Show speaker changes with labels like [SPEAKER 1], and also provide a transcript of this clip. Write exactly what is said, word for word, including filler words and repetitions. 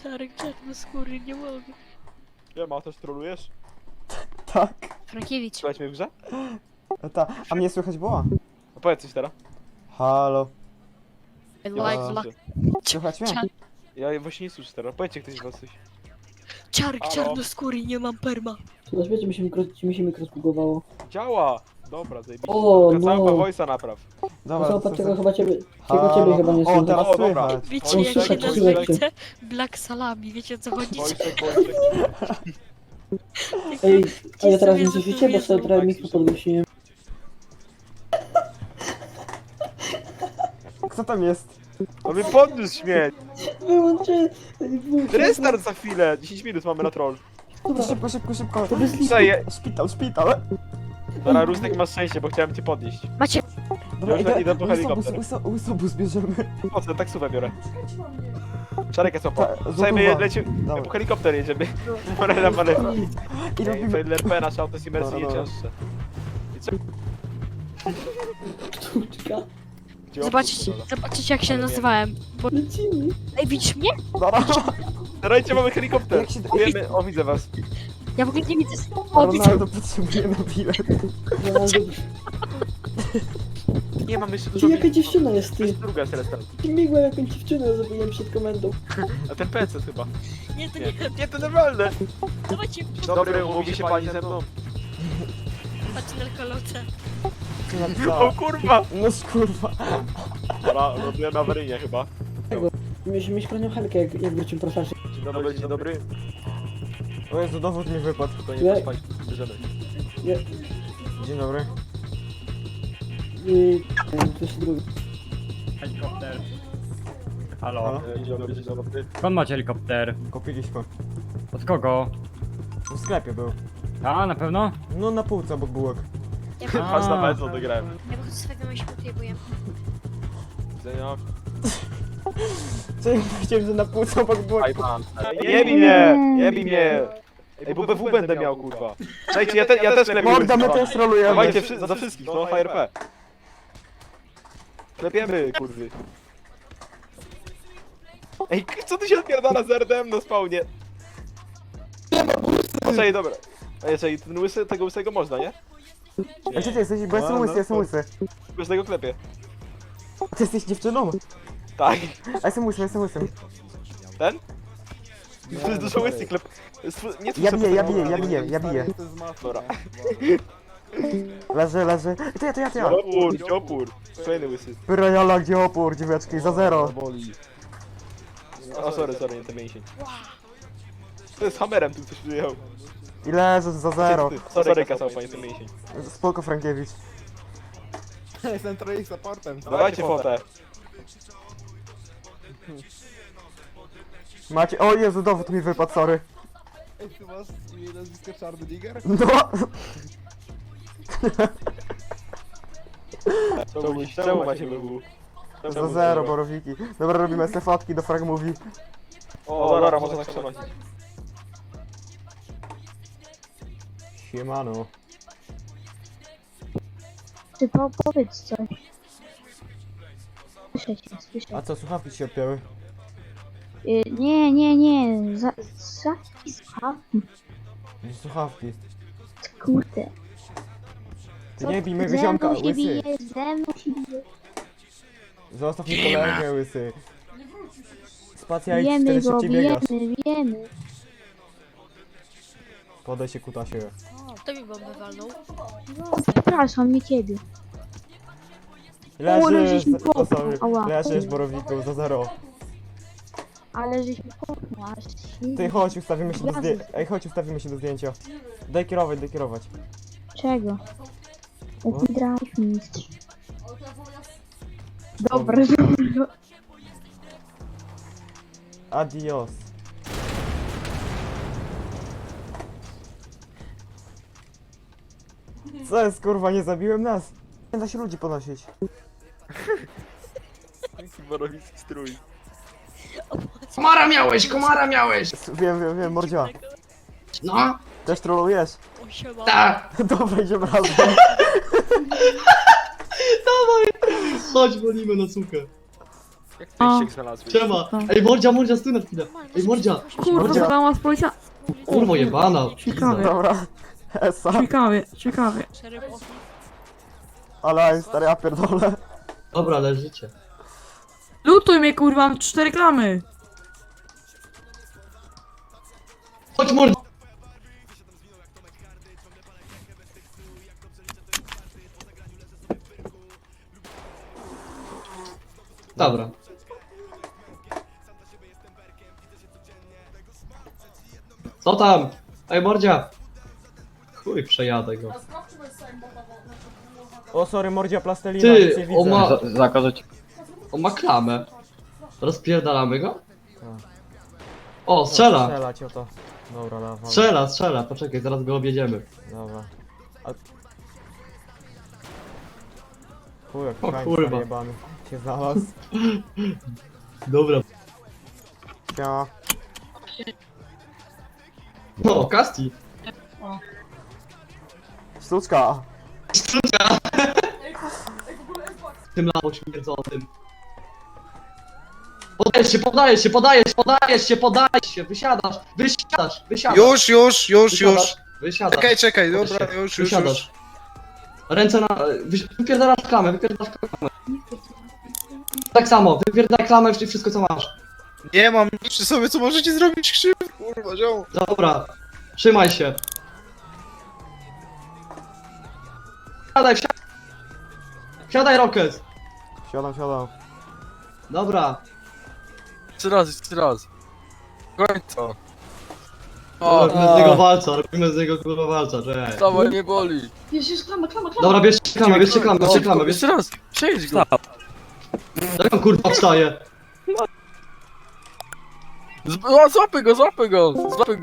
[SPEAKER 1] Czarek czarnoskóry, nie mogę.
[SPEAKER 2] Ja ma, też trolujesz?
[SPEAKER 3] Tak.
[SPEAKER 1] Frankiewicz.
[SPEAKER 2] Słuchaj mnie w grze?
[SPEAKER 3] No ta, a mnie słychać było?
[SPEAKER 2] No powiedz coś teraz.
[SPEAKER 3] Halo.
[SPEAKER 2] Ja
[SPEAKER 1] Like,
[SPEAKER 2] was
[SPEAKER 1] like.
[SPEAKER 2] słyszę.
[SPEAKER 3] Słychać mnie?
[SPEAKER 1] Czar
[SPEAKER 2] Ja właśnie nie słyszę teraz. Powiedzcie ktoś z was coś.
[SPEAKER 1] Czarek
[SPEAKER 2] Halo?
[SPEAKER 1] czarnoskóry, nie mam perma.
[SPEAKER 4] Słuchaj, wiecie, mi się mikro, mi się mikro zbugowało.
[SPEAKER 2] Działa! Dobra, zajebiście.
[SPEAKER 4] O,
[SPEAKER 2] Kacałka
[SPEAKER 4] no.
[SPEAKER 2] voice'a napraw.
[SPEAKER 3] Dobra,
[SPEAKER 4] Zobacz,
[SPEAKER 3] to-
[SPEAKER 4] czego
[SPEAKER 3] to-
[SPEAKER 4] chyba ciebie,
[SPEAKER 3] Halo.
[SPEAKER 4] czego ciebie chyba nie
[SPEAKER 3] O,
[SPEAKER 4] słychać.
[SPEAKER 3] teraz
[SPEAKER 2] O, dobra.
[SPEAKER 3] słychać.
[SPEAKER 1] Wiecie
[SPEAKER 4] O,
[SPEAKER 1] jak się
[SPEAKER 4] słychać,
[SPEAKER 1] nazywa
[SPEAKER 4] słychać.
[SPEAKER 1] chce? Black Salami, wiecie o co chodzi?
[SPEAKER 2] Voice'ek, voice'ek.
[SPEAKER 4] Ej, a ja
[SPEAKER 1] Ci
[SPEAKER 4] teraz
[SPEAKER 1] sobie
[SPEAKER 4] nie
[SPEAKER 1] za
[SPEAKER 4] słyszycie,
[SPEAKER 1] to
[SPEAKER 4] bo sobie
[SPEAKER 1] wiedzą.
[SPEAKER 4] trochę mikro podwyższyłem.
[SPEAKER 3] Kto tam jest?
[SPEAKER 2] No mi podniósł śmieć.
[SPEAKER 4] Wyłączę! Ej, wyłączę.
[SPEAKER 2] Restart za chwilę. dziesięć minut mamy na troll.
[SPEAKER 4] Dobra,
[SPEAKER 3] Szybko, szybko, szybko.
[SPEAKER 4] to bez lipu.
[SPEAKER 2] Przeje.
[SPEAKER 3] Szpital, szpital.
[SPEAKER 2] Dobra, Rustek masz szczęście, bo chciałem cię podnieść.
[SPEAKER 1] Macie,
[SPEAKER 3] Dobra,
[SPEAKER 2] Już idę po helikopter.
[SPEAKER 3] Łysobus, łysobus bierzemy.
[SPEAKER 2] Po co, taksówę biorę. Szarek jest opo.
[SPEAKER 3] Ta-
[SPEAKER 2] Słuchaj, my
[SPEAKER 3] złotówa.
[SPEAKER 2] lecimy,
[SPEAKER 3] Dobra.
[SPEAKER 2] po helikopter jedziemy. Morela manewra.
[SPEAKER 3] I robimy...
[SPEAKER 2] L R P, nasze auto jest imersji
[SPEAKER 3] Dobra,
[SPEAKER 2] nie
[SPEAKER 3] dobra.
[SPEAKER 2] cięższe. I co?
[SPEAKER 4] Sztuczka.
[SPEAKER 2] Gdzie
[SPEAKER 1] zobaczycie,
[SPEAKER 2] opór,
[SPEAKER 1] zobaczycie jak się nazywałem. Bo...
[SPEAKER 4] Lecimy.
[SPEAKER 1] Ej, widzisz mnie?
[SPEAKER 3] Dobra.
[SPEAKER 2] Dajcie, mamy helikopter.
[SPEAKER 3] Jak się-
[SPEAKER 2] Wiemy, o widzę was.
[SPEAKER 1] Ja w ogóle nie widzę. O, widzę.
[SPEAKER 3] Ronaldo potrzebujemy bilet.
[SPEAKER 4] Ronaldo.
[SPEAKER 2] Nie, mamy jeszcze dużo
[SPEAKER 4] Ty, jaka
[SPEAKER 2] minut.
[SPEAKER 4] dziewczyna jest,
[SPEAKER 2] To
[SPEAKER 4] ty?
[SPEAKER 2] jest druga Celesta.
[SPEAKER 4] Ty migła jakąś dziewczynę, zrobiłem przed komendą.
[SPEAKER 2] A ten P C chyba.
[SPEAKER 1] Nie, to
[SPEAKER 2] Nie,
[SPEAKER 1] nie.
[SPEAKER 2] nie, to normalne.
[SPEAKER 1] Dawajcie,
[SPEAKER 2] Dobry, umówi się pani ze mną.
[SPEAKER 1] patrz na kolotę.
[SPEAKER 2] O kurwa.
[SPEAKER 3] No kurwa.
[SPEAKER 2] Dobra, robiłem awaryjnie chyba.
[SPEAKER 4] Myśmy mieć kronią helkę, jak, jak wrócił profesor.
[SPEAKER 2] Dzień dobry, dzień dobry.
[SPEAKER 3] O Jezu, dowód mi wypadł.
[SPEAKER 2] To
[SPEAKER 4] Nie.
[SPEAKER 2] nie patrz pani, bierzemy.
[SPEAKER 4] Nie,
[SPEAKER 3] Dzień dobry.
[SPEAKER 4] i... To jest drugi.
[SPEAKER 5] Helikopter.
[SPEAKER 3] Halo?
[SPEAKER 5] Halo?
[SPEAKER 2] E, Dzień dobry, dzień dobry.
[SPEAKER 5] Skąd macie helikopter?
[SPEAKER 3] Kupiliśmy.
[SPEAKER 5] Od kogo?
[SPEAKER 3] W sklepie był.
[SPEAKER 5] A, na pewno?
[SPEAKER 3] No na półce obok bułek.
[SPEAKER 1] Ja
[SPEAKER 2] Patrz na mecz, odegrałem.
[SPEAKER 1] Ja wychodzę z swojego myśli, tujebuję.
[SPEAKER 2] Widzenia.
[SPEAKER 3] Co ja powiedziałem, że na półce obok bułek.
[SPEAKER 2] Aj pan. Jebi mnie, jebi mnie. Ej, bo B W będę miał, kurwa. Słuchajcie, ja, te, ja też klepię.
[SPEAKER 3] Morda, my też rolujemy.
[SPEAKER 2] Dawajcie wszy za wszystkich, no, H R P. Klepiemy, kurwy. Ej, k- co tu się odpierdala z R D M na spawnie? Poczekaj, dobra. Ej, czekaj, ten łysy, tego łysego można, nie?
[SPEAKER 3] A gdzie ty jesteś? Bo jestem łysy, jestem łysy.
[SPEAKER 2] Łysego klepie.
[SPEAKER 3] Ty jesteś dziewczyną?
[SPEAKER 2] Tak.
[SPEAKER 3] A jestem łysym, jestem łysym.
[SPEAKER 2] Ten? To jest dużo łysy klep. Stw- Nie
[SPEAKER 3] Ja biję, ja biję, ja biję, ja biję.
[SPEAKER 2] Dobra.
[SPEAKER 3] Leży, leży. To ja, to ja, to ja.
[SPEAKER 2] Opór, gdzie opór. Kolejny łysy.
[SPEAKER 3] Pyrojala, gdzie opór, dzieweczki, za zero.
[SPEAKER 2] O, sorry, sorry, nie ten mięsień. To jest hammerem, tu coś przyjechał.
[SPEAKER 3] I leży za zero.
[SPEAKER 2] Sorry, kasał panie ten mięsień.
[SPEAKER 3] Spoko, Frankiewicz.
[SPEAKER 6] Jestem trochę supportem.
[SPEAKER 2] Dawajcie fotę.
[SPEAKER 3] Macie... O Jezu, dowód mi wypadł, sorry.
[SPEAKER 6] Ej, ty masz imię nazwisko Czarny Digger?
[SPEAKER 3] No!
[SPEAKER 2] Czemu, czemu macie B W?
[SPEAKER 3] Za zero, borowiki. Dobra, robimy se fotki do frag movie.
[SPEAKER 2] O, dobra, można tak przenosić.
[SPEAKER 3] Siemano.
[SPEAKER 7] Ty po, powiedz coś. Słyszę cię, słyszę.
[SPEAKER 3] A co, słuchawki ci się odpięły?
[SPEAKER 7] Y, nie, nie, nie. Za, za, słuchawki,
[SPEAKER 3] Nie, słuchawki.
[SPEAKER 7] kurde.
[SPEAKER 3] Ty nie bij mego
[SPEAKER 7] Ze
[SPEAKER 3] ziomka,
[SPEAKER 7] mną się
[SPEAKER 3] łysy.
[SPEAKER 7] bije, ze mną się bije.
[SPEAKER 3] Zostaw mi kolegę, łysy. Spacja i
[SPEAKER 7] Bijemy
[SPEAKER 3] wtedy
[SPEAKER 7] go,
[SPEAKER 3] szybciej biegasz.
[SPEAKER 7] bijemy, bijemy.
[SPEAKER 3] Podaj się, kutasie.
[SPEAKER 1] Kto mi bombę walnął?
[SPEAKER 7] No, przepraszam, nie ciebie.
[SPEAKER 3] Leżysz,
[SPEAKER 7] żeś mi
[SPEAKER 3] o, sorry.
[SPEAKER 7] popchnął, ała.
[SPEAKER 3] Leżysz, borowiku, za zero.
[SPEAKER 7] Ale żeś mi popchnął, aż się...
[SPEAKER 3] Ty chodź, ustawimy się do
[SPEAKER 7] Jazdy.
[SPEAKER 3] zdjęcia. Ej, chodź, ustawimy się do zdjęcia. Daj kierować, daj kierować.
[SPEAKER 7] Czego? Jaki drive mistrz. Dobra, dobra.
[SPEAKER 3] Adios. Co jest, kurwa, nie zabiłem nas? Nie da się ludzi ponosić.
[SPEAKER 2] Borowicki strój.
[SPEAKER 8] Komara miałeś, komara miałeś!
[SPEAKER 3] S- Wiem, wiem, wiem, mordzia.
[SPEAKER 8] No,
[SPEAKER 3] Też trolujesz?
[SPEAKER 1] O, siema.
[SPEAKER 8] tak.
[SPEAKER 3] Dobra, idziemy razem.
[SPEAKER 8] Chodź, wolimy na sukę.
[SPEAKER 2] Jak ty
[SPEAKER 7] O.
[SPEAKER 2] się znalazłeś?
[SPEAKER 8] Siema. Ej, mordzia, mordzia, stój na chwilę. Ej, mordzia.
[SPEAKER 7] Kurwa,
[SPEAKER 8] Mordzia.
[SPEAKER 7] zadała z policja.
[SPEAKER 8] Kurwo jebana.
[SPEAKER 7] Ciekawe.
[SPEAKER 3] Dobra. Esa.
[SPEAKER 7] Ciekawie, ciekawie.
[SPEAKER 1] Szeryf osób.
[SPEAKER 3] Ale stary, ja pierdolę.
[SPEAKER 8] Dobra, leżycie.
[SPEAKER 7] Lutuj mnie kurwa, mam cztery reklamy.
[SPEAKER 8] Chodź mordzia. Dobra. Co tam? Ej, mordzia. Chuj, przejadę go.
[SPEAKER 3] O, sorry, mordzia plastelina,
[SPEAKER 8] Ty,
[SPEAKER 3] nic nie
[SPEAKER 8] o
[SPEAKER 3] widzę.
[SPEAKER 8] ma...
[SPEAKER 5] Zakazać.
[SPEAKER 8] On ma klamę. Rozpierdalamy go?
[SPEAKER 3] Tak.
[SPEAKER 8] O, strzela!
[SPEAKER 3] Strzelać o to. Dobra, dawaj.
[SPEAKER 8] Strzela, strzela, poczekaj, zaraz go objedziemy.
[SPEAKER 3] Dobra. A... Chuj, jak
[SPEAKER 8] O
[SPEAKER 3] krańc
[SPEAKER 8] kurwa.
[SPEAKER 3] jebany się znalazł.
[SPEAKER 8] Dobra.
[SPEAKER 3] Siema.
[SPEAKER 8] No, Kasti.
[SPEAKER 3] Sztuczka.
[SPEAKER 8] Tym lawo śmierdzącym. Podajesz się, podajesz się, podajesz się, podajesz się, podajesz się, wysiadasz, wysiadasz, wysiadasz.
[SPEAKER 9] Już, już, już,
[SPEAKER 8] wysiadasz,
[SPEAKER 9] już.
[SPEAKER 8] Wysiadasz.
[SPEAKER 9] Czekaj, czekaj,
[SPEAKER 8] Podaj
[SPEAKER 9] dobra,
[SPEAKER 8] się,
[SPEAKER 9] już, już,
[SPEAKER 8] wysiadasz.
[SPEAKER 9] już.
[SPEAKER 8] Ręce na... wyś- Wypierdalasz klamę, wypierdalasz klamę. Tak samo, wypierdalaj klamę i wszystko co masz.
[SPEAKER 9] Nie mam nic przy sobie, co możecie zrobić krzywdę, kurwa, ziom.
[SPEAKER 8] Dobra, trzymaj się. Wsiadaj, wsiadaj. Wsiadaj, Rocket.
[SPEAKER 3] Siadam, siadam.
[SPEAKER 8] Dobra.
[SPEAKER 9] Jeszcze raz, jeszcze raz. Końca.
[SPEAKER 8] Robimy z niego walca, robimy z niego kurwa walca, cześć.
[SPEAKER 9] Dawaj, nie boli.
[SPEAKER 8] Jest, jest klama, klama, klama. Dobra, bierzcie klamę, bierzcie klamę, bierzcie klamę, bierzcie...
[SPEAKER 9] Jeszcze raz, przejdź go.
[SPEAKER 8] Jak on kurwa wstaje?
[SPEAKER 9] Z- o, Złapy go, złapy go, złapy go.